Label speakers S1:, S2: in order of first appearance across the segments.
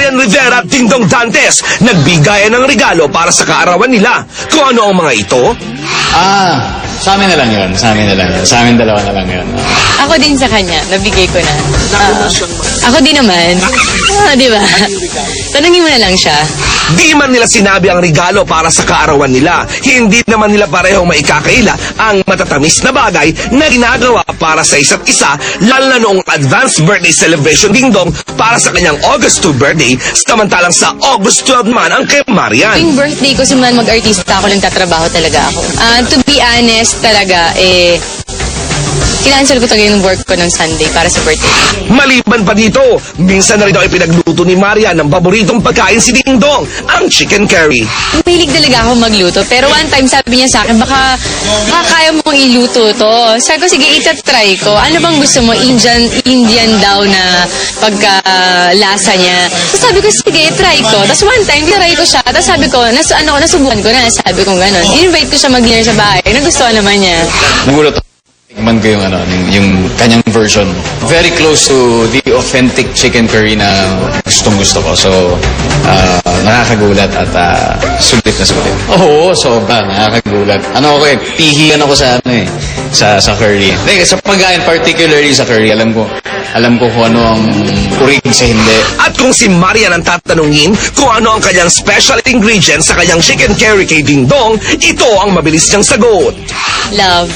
S1: Marian Rivera at Dingdong Dantes nagbigayan ng regalo para sa kaarawan nila. Kung ano ang mga ito?
S2: Sa amin na lang yun. Sa amin na lang yun. Sa amin dalawa na lang yun.
S3: Ako din sa kanya, nabigay ko na. Ako din naman. Di ba? Tanungin mo na lang siya.
S1: Di man nila sinabi ang regalo para sa kaarawan nila. Hindi naman nila parehong maikakaila ang matatamis na bagay na ginagawa para sa isa't isa, lalo na noong advanced birthday celebration Dingdong para sa kanyang August 2 birthday, samantalang sa August 12 man ang kay Marian.
S3: Tuwing birthday ko, simulan mag-artista ako, nagtatrabaho talaga ako. To be honest talaga, kinansel ko talaga yung work ko ng Sunday para sa birthday.
S1: Maliban pa dito, minsan na rin daw ipinagluto ni Marian ng paboritong pagkain si Dingdong, ang chicken curry.
S3: Mahilig talaga ako magluto, pero one time sabi niya sa akin, baka kaya mong iluto to. Sabi ko, sige, itatry ko. Ano bang gusto mo? Indian daw na pagkalasa niya. So sabi ko, sige, try ko. Tapos one time, try ko siya. Tapos sabi ko, nasubukan ko na. Sabi ko gano'n. In-invite ko siya mag-dinner sa bahay. Nagustuhan naman niya.
S2: Nagulat ako. Tikman ko yung kanyang version. Very close to the authentic chicken curry na gustong-gusto ko. So, nakakagulat at sulit na sulit. Oo, sobra. Nakakagulat. Pihiyan ako sa curry. Sa pagkain, particularly sa curry, alam ko kung ano ang urig sa hindi.
S1: At kung si Marian ang tatanungin kung ano ang kanyang special ingredient sa kanyang chicken curry kay Dingdong, ito ang mabilis niyang sagot.
S3: Love.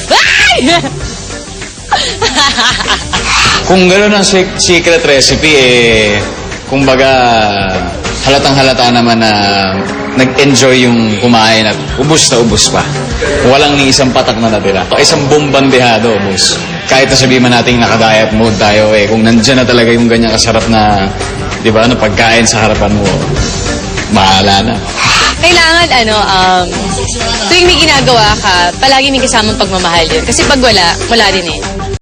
S2: Kung gano'n ang secret recipe, kumbaga, halatang-halata naman na nag-enjoy yung kumain at ubus na ubus pa. Walang ni isang patak na natira. Isang bumbandehado, ubus. Kahit na sabihin man natin naka-diet mode tayo, kung nandyan na talaga yung ganyang kasarap na, di ba, pagkain sa harapan mo, bahala na.
S3: Kailangan, tuwing may ginagawa ka, palagi may kasamang pagmamahal yun. Kasi pag wala din eh.